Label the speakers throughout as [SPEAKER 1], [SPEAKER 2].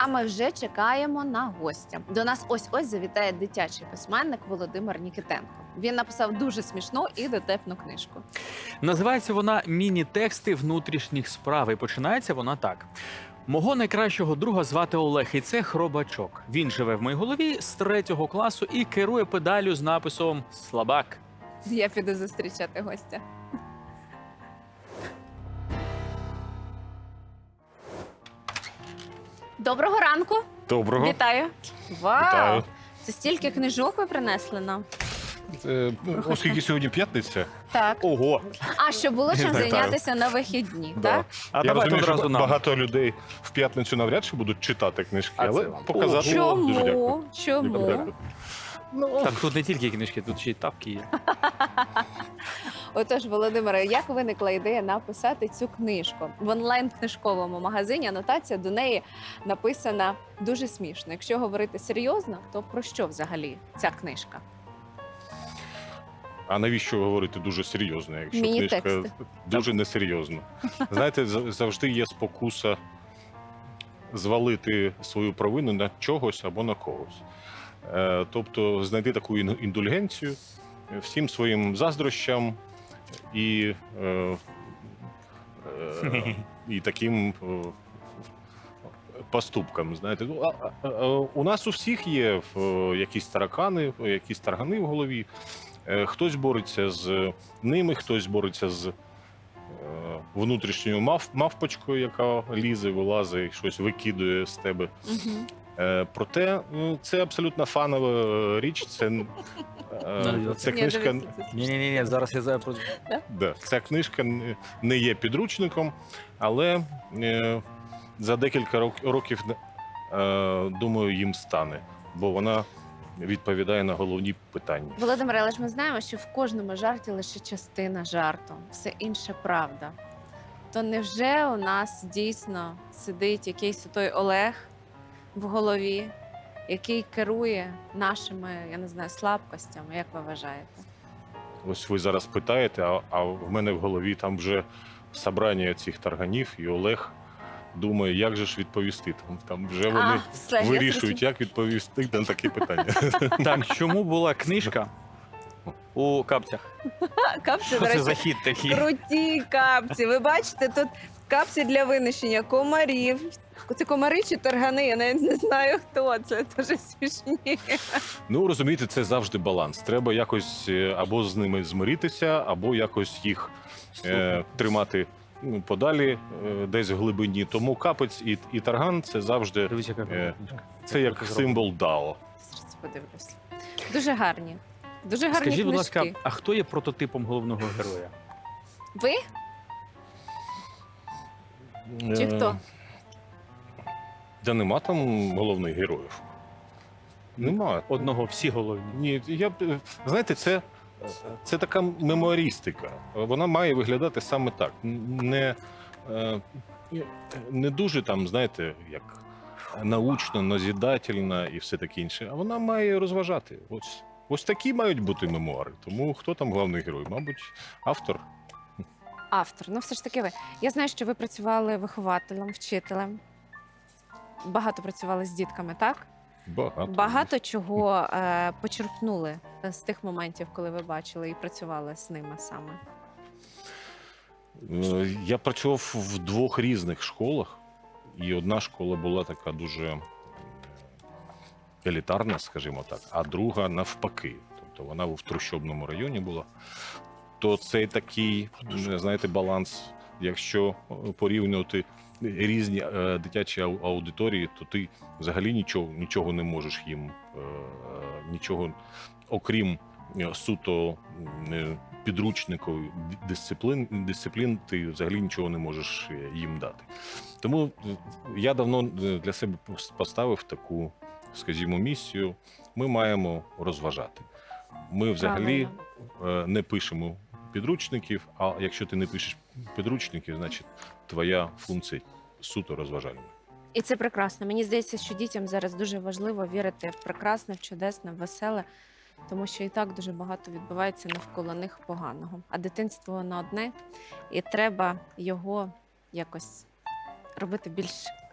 [SPEAKER 1] А ми вже чекаємо на гостя. До нас ось-ось завітає дитячий письменник Володимир Нікітенко. Він написав дуже смішну і дотепну книжку.
[SPEAKER 2] Називається вона «Міні-тексти внутрішніх справ» і починається вона так. Мого найкращого друга звати Олег, і це хробачок. Він живе в моїй голові з 3-го класу і керує педаллю з написом «Слабак».
[SPEAKER 1] Я піду зустрічати гостя. Доброго ранку.
[SPEAKER 3] Доброго.
[SPEAKER 1] Вітаю. Вау!
[SPEAKER 3] Вітаю.
[SPEAKER 1] Це стільки книжок ви принесли нам.
[SPEAKER 3] Оскільки сьогодні п'ятниця.
[SPEAKER 1] Так.
[SPEAKER 3] Ого.
[SPEAKER 1] А що було чим
[SPEAKER 3] Вітаю.
[SPEAKER 1] зайнятися на вихідні,
[SPEAKER 3] Да.
[SPEAKER 1] так?
[SPEAKER 2] А
[SPEAKER 3] Я
[SPEAKER 2] давайте
[SPEAKER 3] розумію,
[SPEAKER 2] одразу
[SPEAKER 3] що
[SPEAKER 2] нам.
[SPEAKER 3] багато людей в п'ятницю навряд чи будуть читати книжки,
[SPEAKER 2] А це
[SPEAKER 3] але
[SPEAKER 2] вам.
[SPEAKER 3] показати
[SPEAKER 1] Чому?
[SPEAKER 3] дуже дякую.
[SPEAKER 1] Чому?
[SPEAKER 3] Дякую. Ну,
[SPEAKER 2] Так, тут не тільки книжки, тут ще й тапки є.
[SPEAKER 1] Отож, Володимире, як виникла ідея написати цю книжку? В онлайн-книжковому магазині анотація до неї написана дуже смішно. Якщо говорити серйозно, то про що взагалі ця книжка?
[SPEAKER 3] а навіщо говорити дуже серйозно, якщо
[SPEAKER 1] Міні-тексти.
[SPEAKER 3] книжка дуже несерйозна? Знаєте, завжди є спокуса звалити свою провину на чогось або на когось. Тобто знайти таку індульгенцію всім своїм заздрощам і таким поступкам. Знаєте, у нас у всіх є якісь таракани, якісь таргани в голові. Хтось бореться з ними, хтось бореться з внутрішньою мавпочкою, яка лізе, вилазить, щось викидує з тебе.
[SPEAKER 1] Угу.
[SPEAKER 3] Проте це абсолютно фанова річ. Це книжка.
[SPEAKER 2] Ні, зараз я зараз...
[SPEAKER 3] Да, ця книжка не є підручником, але за декілька років, думаю, їм стане, бо вона відповідає на головні питання.
[SPEAKER 1] Володимире, але ж ми знаємо, що в кожному жарті лише частина жарту, все інше правда. То невже у нас дійсно сидить якийсь той Олег в голові, який керує нашими, я не знаю, слабкостями, як ви вважаєте?
[SPEAKER 3] Ось ви зараз питаєте, а в мене в голові там вже собрання цих тарганів, і Олег думає, як же ж відповісти. Там вже вони
[SPEAKER 1] все, я
[SPEAKER 3] вирішують, як відповісти на такі питання.
[SPEAKER 2] Так, чому була книжка у капцях?
[SPEAKER 1] Капці,
[SPEAKER 2] Що
[SPEAKER 1] до
[SPEAKER 2] це
[SPEAKER 1] речі,
[SPEAKER 2] за хід такий?
[SPEAKER 1] круті капці. Ви бачите, тут капці для винищення комарів. Це комари чи таргани? Я навіть не знаю, хто це. Дуже смішні.
[SPEAKER 3] Ну, розумієте, це завжди баланс. Треба якось або з ними змиритися, або якось їх тримати подалі, десь в глибині. Тому капець і тарган – це завжди
[SPEAKER 2] Дивись, яка книжка.
[SPEAKER 3] це як символ Дао.
[SPEAKER 1] Зараз подивлюсь. Дуже гарні. Дуже гарні
[SPEAKER 2] Скажіть, будь
[SPEAKER 1] книжки.
[SPEAKER 2] ласка, а хто є прототипом головного героя?
[SPEAKER 1] Ви? Чи хто?
[SPEAKER 3] Та нема там головних героїв. Нема.
[SPEAKER 2] Одного, всі головні.
[SPEAKER 3] Ні, знаєте, це така мемуарістика. Вона має виглядати саме так. Не дуже там, знаєте, як научно, назідательна і все таке інше. А вона має розважати. Ось такі мають бути мемуари. Тому хто там головний герой? Мабуть, автор.
[SPEAKER 1] Автор. Ну, все ж таки ви. Я знаю, що ви працювали вихователем, вчителем. Багато працювали з дітками, так? Багато чого почерпнули з тих моментів, коли ви бачили і працювали з ними саме.
[SPEAKER 3] Я працював в 2 різних школах, і одна школа була така дуже елітарна, скажімо так, а друга навпаки. Тобто вона в трущобному районі була. То цей такий, знаєте, баланс, якщо порівнювати різні дитячі аудиторії, то ти взагалі нічого не можеш їм, нічого, окрім суто підручникових дисциплін, ти взагалі нічого не можеш їм дати. Тому я давно для себе поставив таку, скажімо, місію. Ми маємо розважати. Ми взагалі не пишемо підручників, а якщо ти не пишеш підручників, значить твоя функція суто розважальна.
[SPEAKER 1] І це прекрасно. Мені здається, що дітям зараз дуже важливо вірити в прекрасне, в чудесне, в веселе, тому що і так дуже багато відбувається навколо них поганого. А дитинство воно одне, і треба його якось робити більш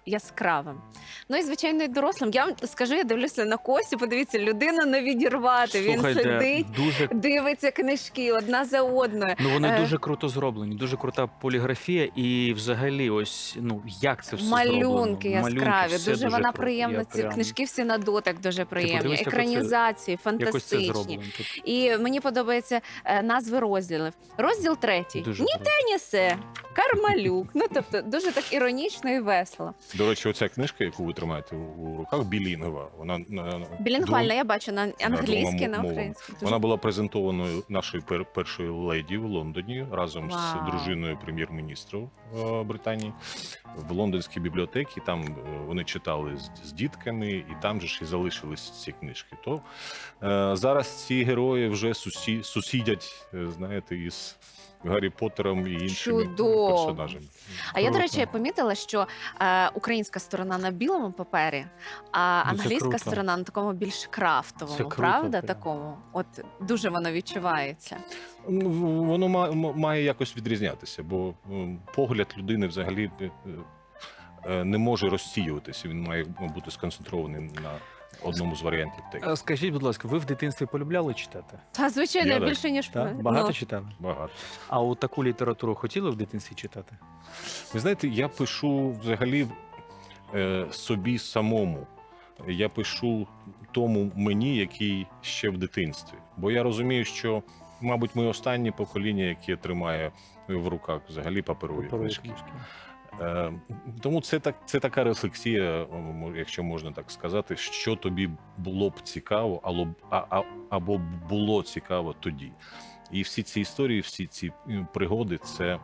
[SPEAKER 1] яскравим. Ну і звичайно, і дорослим. Я вам скажу, я дивлюся на Костю, подивіться, людину не відірвати. Він
[SPEAKER 2] Слухайте,
[SPEAKER 1] сидить,
[SPEAKER 2] дуже
[SPEAKER 1] дивиться книжки одна за одною.
[SPEAKER 2] ну вони
[SPEAKER 1] Е,
[SPEAKER 2] дуже круто зроблені, дуже крута поліграфія, і взагалі, ось ну як це все
[SPEAKER 1] Малюнки
[SPEAKER 2] зроблено.
[SPEAKER 1] яскраві,
[SPEAKER 2] все
[SPEAKER 1] дуже вона
[SPEAKER 2] круто.
[SPEAKER 1] приємна.
[SPEAKER 2] Я
[SPEAKER 1] Ці
[SPEAKER 2] прям-
[SPEAKER 1] книжки всі на дотик дуже приємні.
[SPEAKER 2] подивись, як оце-
[SPEAKER 1] Екранізації
[SPEAKER 2] Якось це
[SPEAKER 1] фантастичні.
[SPEAKER 2] зроблено. Тут
[SPEAKER 1] І мені подобаються назви розділів. Розділ 3.
[SPEAKER 2] дуже
[SPEAKER 1] Ні
[SPEAKER 2] круто.
[SPEAKER 1] Нісе, Кармалюк. Ну тобто дуже так іронічно і весело.
[SPEAKER 3] До речі, оця книжка, яку ви тримаєте у руках, білінгова. Вона
[SPEAKER 1] Білінгвальна, я бачу на англійській,
[SPEAKER 3] двома
[SPEAKER 1] на
[SPEAKER 3] мовами.
[SPEAKER 1] українській. Дуже
[SPEAKER 3] Вона була презентованою нашою першою леді в Лондоні разом
[SPEAKER 1] Вау.
[SPEAKER 3] з дружиною прем'єр-міністра Британії в лондонській бібліотеці. Там вони читали з дітками, і там же ж і залишились ці книжки. То зараз ці герої вже сусідять, знаєте, із Гаррі Поттером і іншими
[SPEAKER 1] Чудово.
[SPEAKER 3] персонажами.
[SPEAKER 1] А я, до
[SPEAKER 2] Круто.
[SPEAKER 1] речі, помітила, що українська сторона на білому папері, а
[SPEAKER 2] Ну, це
[SPEAKER 1] англійська
[SPEAKER 2] круто.
[SPEAKER 1] сторона на такому більш
[SPEAKER 2] Це
[SPEAKER 1] крафтовому,
[SPEAKER 2] круто,
[SPEAKER 1] правда?
[SPEAKER 2] прям.
[SPEAKER 1] Такому. От дуже воно відчувається.
[SPEAKER 3] Ну, воно має якось відрізнятися, бо погляд людини взагалі не може розсіюватися. Він має бути сконцентрований на одному з варіантів тексту.
[SPEAKER 2] Скажіть, будь ласка, ви в дитинстві полюбляли читати?
[SPEAKER 1] Та звичайно,
[SPEAKER 3] Я так.
[SPEAKER 1] більше ніж
[SPEAKER 2] Так? Багато
[SPEAKER 1] ну,
[SPEAKER 2] читали?
[SPEAKER 3] Багато.
[SPEAKER 2] А от таку літературу хотіли в дитинстві читати?
[SPEAKER 3] Ви знаєте, я пишу взагалі собі самому. Я пишу тому мені, який ще в дитинстві. Бо я розумію, що, мабуть, ми останнє покоління, яке тримає в руках взагалі паперові
[SPEAKER 2] Паперові
[SPEAKER 3] книжки.
[SPEAKER 2] книжки.
[SPEAKER 3] Тому це така рефлексія, якщо можна так сказати, що тобі було б цікаво, або було цікаво тоді. І всі ці історії, всі ці пригоди це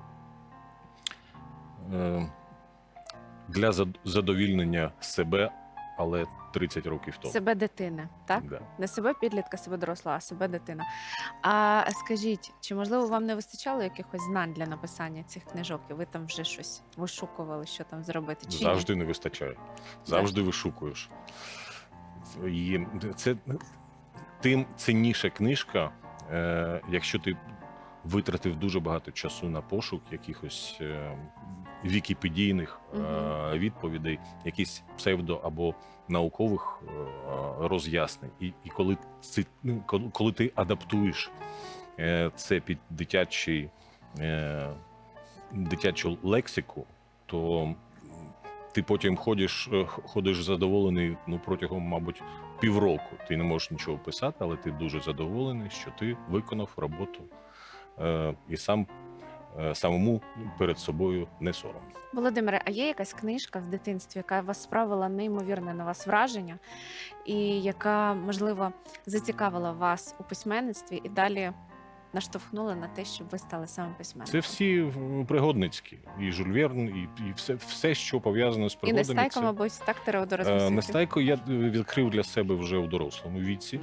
[SPEAKER 3] для задовільнення себе, але 30 років тому.
[SPEAKER 1] себе дитини, так?
[SPEAKER 3] Да.
[SPEAKER 1] Не себе підлітка, себе доросла, а себе дитина. А скажіть, чи можливо вам не вистачало якихось знань для написання цих книжок, і ви там вже щось вишукували, що там зробити? Чи ні?
[SPEAKER 3] Завжди не вистачає. Завжди вишукуєш. І це тим цінніша книжка, якщо ти витратив дуже багато часу на пошук якихось вікіпедійних відповідей, якісь псевдо або наукових роз'яснень. І коли ти адаптуєш це під дитячу лексику, то ти потім ходиш задоволений протягом, мабуть, півроку. Ти не можеш нічого писати, але ти дуже задоволений, що ти виконав роботу і самому перед собою не соромно.
[SPEAKER 1] Володимире, а є якась книжка в дитинстві, яка вас справила неймовірне на вас враження, і яка, можливо, зацікавила вас у письменництві і далі наштовхнула на те, щоб ви стали саме
[SPEAKER 3] Це
[SPEAKER 1] письменником?
[SPEAKER 3] всі пригодницькі. І Жюль Верн, і все, що пов'язано з
[SPEAKER 1] І
[SPEAKER 3] пригодами.
[SPEAKER 1] Нестайко, мабуть, так, Теодора Смісюків?
[SPEAKER 3] Нестайко я відкрив для себе вже у дорослому віці.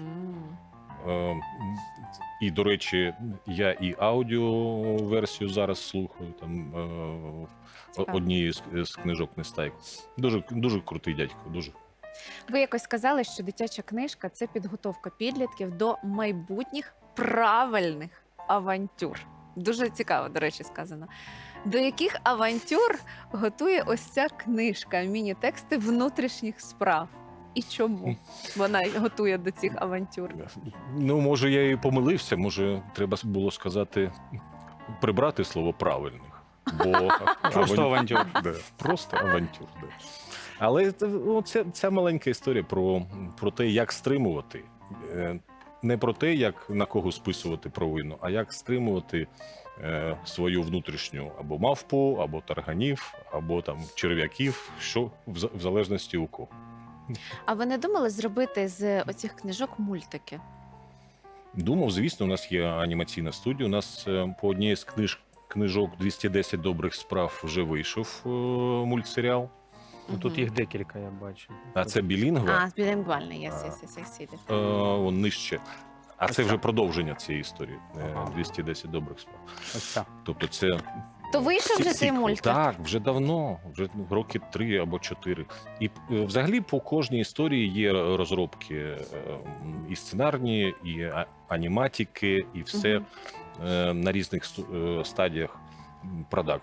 [SPEAKER 3] І, до речі, я і аудіоверсію зараз слухаю, там
[SPEAKER 1] Цікаво.
[SPEAKER 3] однієї з книжок Нестайко. Дуже, дуже крутий дядько, дуже.
[SPEAKER 1] Ви якось сказали, що дитяча книжка це підготовка підлітків до майбутніх правильних авантюр. Дуже цікаво, до речі, сказано. До яких авантюр готує ось ця книжка, міні-тексти внутрішніх справ? І чому вона готує до цих авантюр?
[SPEAKER 3] Ну, може, я і помилився, може, треба було сказати, прибрати слово правильних. Бо
[SPEAKER 2] Просто авантюр.
[SPEAKER 3] Да, просто авантюр. Да. Але ця маленька історія про те, як стримувати. Не про те, як на кого списувати провину, а як стримувати свою внутрішню або мавпу, або тарганів, або там черв'яків, що в залежності у кого.
[SPEAKER 1] А ви не думали зробити з оцих книжок мультики?
[SPEAKER 3] Думав, звісно, у нас є анімаційна студія. У нас по одній з книжок 210 добрих справ вже вийшов мультсеріал.
[SPEAKER 2] Ну, тут їх декілька, я бачу.
[SPEAKER 3] А це білінгва,
[SPEAKER 1] А, білінгвальний, я сіді.
[SPEAKER 3] он нижче. А
[SPEAKER 2] Ось
[SPEAKER 3] це вже
[SPEAKER 2] так.
[SPEAKER 3] продовження цієї історії.
[SPEAKER 2] Ага.
[SPEAKER 3] 210 добрих справ.
[SPEAKER 2] Ось так.
[SPEAKER 3] Тобто це
[SPEAKER 1] То вийшов вже цей
[SPEAKER 3] сіквел.
[SPEAKER 1] мультик?
[SPEAKER 3] Так, вже давно, вже роки 3 або 4. І взагалі по кожній історії є розробки і сценарні, і аніматики, і все на різних стадіях продакшену.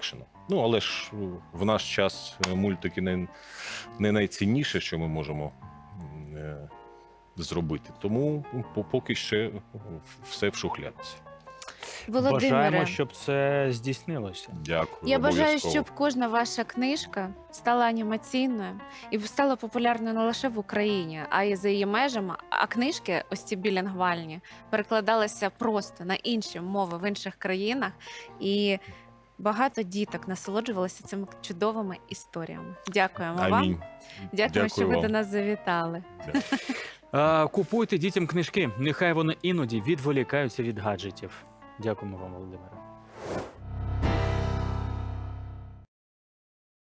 [SPEAKER 3] Ну, але ж в наш час мультики не найцінніше, що ми можемо зробити. Тому поки ще все в шухлядці.
[SPEAKER 1] Володимире,
[SPEAKER 2] Бажаємо, щоб це здійснилося.
[SPEAKER 3] Дякую.
[SPEAKER 1] я бажаю,
[SPEAKER 3] обов'язково.
[SPEAKER 1] щоб кожна ваша книжка стала анімаційною і стала популярною не лише в Україні, а й за її межами. А книжки, ось ці білінгвальні, перекладалися просто на інші мови в інших країнах, і багато діток насолоджувалися цими чудовими історіями. Дякуємо
[SPEAKER 3] Амінь.
[SPEAKER 1] вам. Дякуємо, що ви
[SPEAKER 3] вам.
[SPEAKER 1] до нас завітали.
[SPEAKER 2] Купуйте дітям книжки, нехай вони іноді відволікаються від гаджетів. Дякуємо вам, Володимире.